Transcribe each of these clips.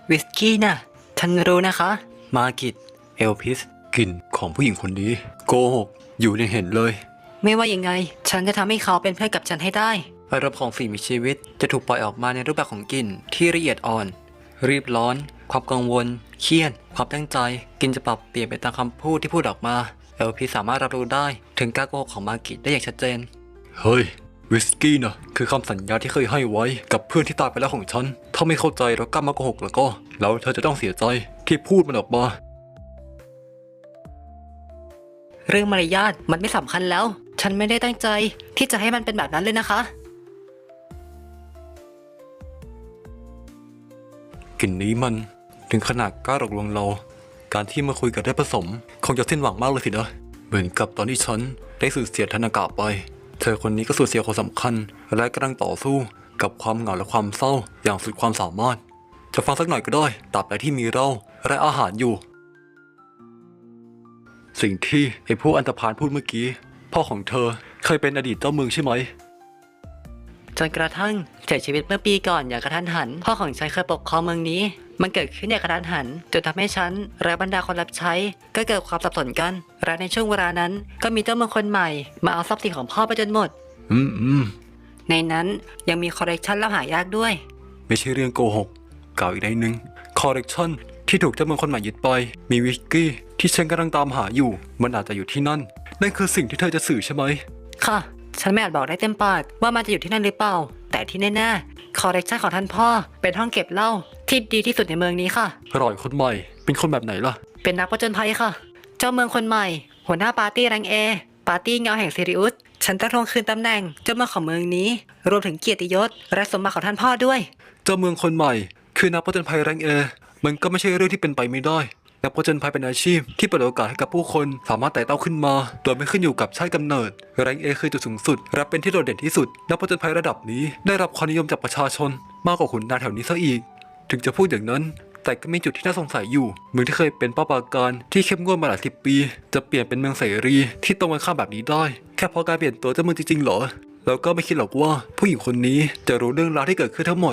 วิสกี้น่ะฉันรู้นะคะมากิตเอลพิสกลิ่นของผู้หญิงคนนี้โกหกอยู่ในเห็นเลยไม่ว่ายังไงฉันจะทำให้เขาเป็นเพื่อนกับฉันให้ได้อารมณ์ของสิ่งมีชีวิตจะถูกปล่อยออกมาในรูปแบบของกลิ่นที่ละเอียดอ่อนรีบร้อนความกังวลเครียดความตั้งใจกลิ่นจะปรับเปลี่ยนไปตามคำพูดที่พูดออกมาเอลพิสสามารถรับรู้ได้ถึงการโกหกของมากิตได้อย่างชัดเจนเฮ้ยวิสกี้นะคือคำสัญญาที่เคยให้ไว้กับเพื่อนที่ตายไปแล้วของฉันถ้าไม่เข้าใจแล้วกล้ามาโกหกแล้วเธอจะต้องเสียใจที่พูดมันออกมาเรื่องมารยาทมันไม่สำคัญแล้วฉันไม่ได้ตั้งใจที่จะให้มันเป็นแบบนั้นเลยนะคะกลิ่นนี้มันถึงขนาดกล้าหลอกลวงเราการที่มาคุยกับได้ผสมคงจะสิ้นหวังมากเลยสินะเหมือนกับตอนที่ฉันได้สูญเสียธนากะไปเธอคนนี้ก็สูญเสียคนสำคัญและกำลังต่อสู้กับความเหงาและความเศร้าอย่างสุดความสามารถจะฟังสักหน่อยก็ได้ตราบใดที่มีเราและอาหารอยู่สิ่งที่ไอ้พวกอันธพาลพูดเมื่อกี้พ่อของเธอเคยเป็นอดีตเจ้าเมืองใช่ไหมจนกระทั่งเสียชีวิตเมื่อปีก่อนอย่างกระทันหันพ่อของฉันเคยปกครองเมืองนี้มันเกิดขึ้นอย่างกระทันหันจนทำให้ฉันและบรรดาคนรับใช้ก็เกิดความสับสนกันและในช่วงเวลานั้นก็มีเจ้าเมืองคนใหม่มาเอาทรัพย์สินของพ่อไปจนหมดในนั้นยังมีคอลเลกชันลับหายากด้วยไม่ใช่เรื่องโกหกกล่าวอีกในหนึ่งคอลเลกชันที่ถูกเจ้าเมืองคนใหม่ยึดไปมีวิสกี้ที่ฉันกำลังตามหาอยู่มันอาจจะอยู่ที่นั่นคือสิ่งที่เธอจะสื่อใช่ไหมค่ะฉันไม่อาจบอกได้เต็มปากว่ามันจะอยู่ที่นั่นหรือเปล่าแต่ที่แน่ๆคอลเลกชันของท่านพ่อเป็นห้องเก็บเหล้าที่ดีที่สุดในเมืองนี้ค่ะรอยคนใหม่เป็นคนแบบไหนล่ะเป็นนักผจญภัยค่ะเจ้าเมืองคนใหม่หัวหน้าปาร์ตี้แรงเอปาร์ตี้เงาแห่งซิริอุสฉันจะทวงคืนตำแหน่งเจ้าเมืองของเมืองนี้รวมถึงเกียรติยศและสมบัติของท่านพ่อด้วยเจ้าเมืองคนใหม่คือนักผจญภัยแรงเอมันก็ไม่ใช่เรื่องที่เป็นไปไม่ได้นักผจญภัยเป็นอาชีพที่เปิดโอกาสให้กับผู้คนสามารถไต่เต้าขึ้นมาโดยไม่ขึ้นอยู่กับชาติกำเนิดแรงเอคือจุดสูงสุดและเป็นที่โดดเด่นที่สุดนักผจญภัยระดับนี้ได้รับความนิยมจากประชาชนมากกว่าขุนนางแถวนี้ซะอีกถึงจะพูดอย่างนั้นแต่ก็มีจุดที่น่าสงสัยอยู่เมืองที่เคยเป็นป้าปราการที่เข้มงวดมาหลายสิบปีจะเปลี่ยนเป็นเมืองเสรีที่ตรงกันข้ามแบบนี้ได้แค่เพราะการเปลี่ยนตัวเจ้าเมืองจริงๆเหรอแล้วก็ไม่คิดหรอกว่าผู้หญิงคนนี้จะรู้เรื่องราวที่เกิดขึ้นทั้งหมด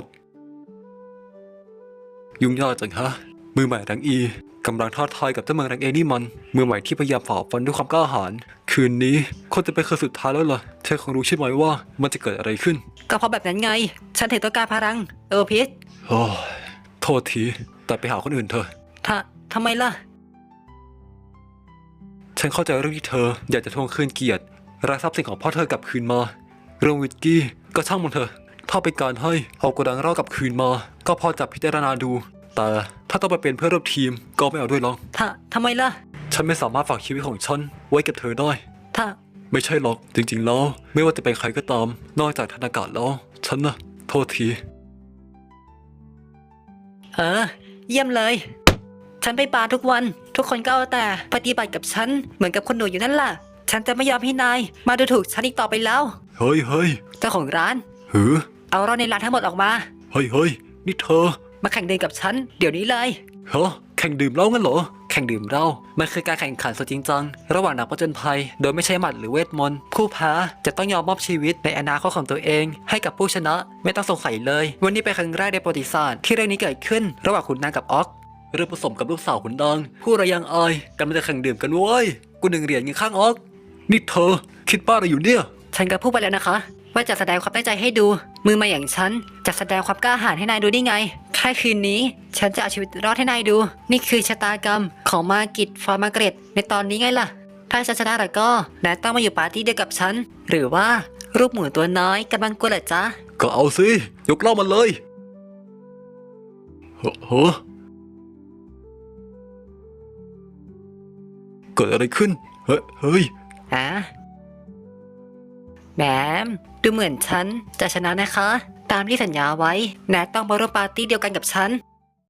ยุ่งยากจังฮะมือใหม่แรงอีกำลังท้าทายกับเจ้าเมืองแรงเอนี่มันมือใหม่ที่พยายามฝ่าฟันด้วยความกล้าหาญคืนนี้คนจะเป็นคืนสุดท้ายแล้วล่ะเธอคงรู้ใช่ไหมว่ามันจะเกิดอะไรขึ้นก็เพราะแบบนั้นไงฉันถึงต้องการพลังพิษโอ้โทษทีแต่ไปหาคนอื่นเถอะทำไมล่ะฉันเข้าใจเรื่องที่เธออยากจะทวงคืนเกียรติและทรัพย์สินของพ่อเธอกลับคืนมาเรื่องวิสกี้ก็ช่างมันเถอะถ้าเป็นการให้เอากระดังเหล้ากลับคืนมาก็พอจะพิจารณาดูแต่ถ้าต้องไปเป็นเพื่อนร่วมทีมก็ไม่เอาด้วยหรอกทำไมล่ะฉันไม่สามารถฝากชีวิตของฉันไว้กับเธอได้ไม่ใช่หรอกจริงๆแล้วไม่ว่าจะเป็นใครก็ตามนอกจากธนากะแล้วฉันนะโทษทีเยี่ยมเลยฉันไปบาร์ทุกวันทุกคนก็เอาแต่ปฏิบัติกับฉันเหมือนกับคนหนูอยู่นั่นแหละฉันจะไม่ยอมให้นายมาดูถูกฉันอีกต่อไปแล้วเฮ้ยเจ้าของร้านเอาเราในร้านทั้งหมดออกมาเฮ้ยนี่เธอมาแข่งดื่มกับฉันเดี๋ยวนี้เลยแข่งดื่มเหล้างั้นเหรอแข่งดื่มเหล้ามันคือการแข่งขันสุดจริงจังระหว่างนักผจญภัยโดยไม่ใช้หมัดหรือเวทมนต์ผู้แพ้จะต้องยอมมอบชีวิตในอนาคตของตัวเองให้กับผู้ชนะไม่ต้องสงสัยเลยวันนี้เป็นครั้งแรกในประวัติศาสตร์ที่เรื่องนี้เกิดขึ้นระหว่างขุนนางกับออกเรื่องผสมกับลูกสาวขุนนางผู้ระยังอายกำลังจะแข่งดื่มกันเว้ยกู1 เหรียญเงินข้างออกนี่เธอคิดบ้าอะไรอยู่เนี่ยฉันก็พูดไปแล้วนะคะว่าจะแสดงความตั้งใจให้ดูมือมาอย่างฉันจะแสดงความกล้าหาญให้นายดูได้ไงแค่คืนนี้ฉันจะเอาชีวิตรอดให้นายดูนี่คือชะตากรรมของมากิตฟอร์มาเกรตในตอนนี้ไงล่ะถ้าฉันชนะแล้วก็นายต้องมาอยู่ปาร์ตี้เดียวกับฉันหรือว่ารูปหมูตัวน้อยกำลังกลัวเหรอจ๊ะก็เอาสิยกเหล้ามันเลยเกิดอะไรขึ้นเฮ้ยแหมดูเหมือนฉันจะชนะนะคะตามที่สัญญาไว้นายต้องมาร่วมปาร์ตี้เดียวกันกับฉัน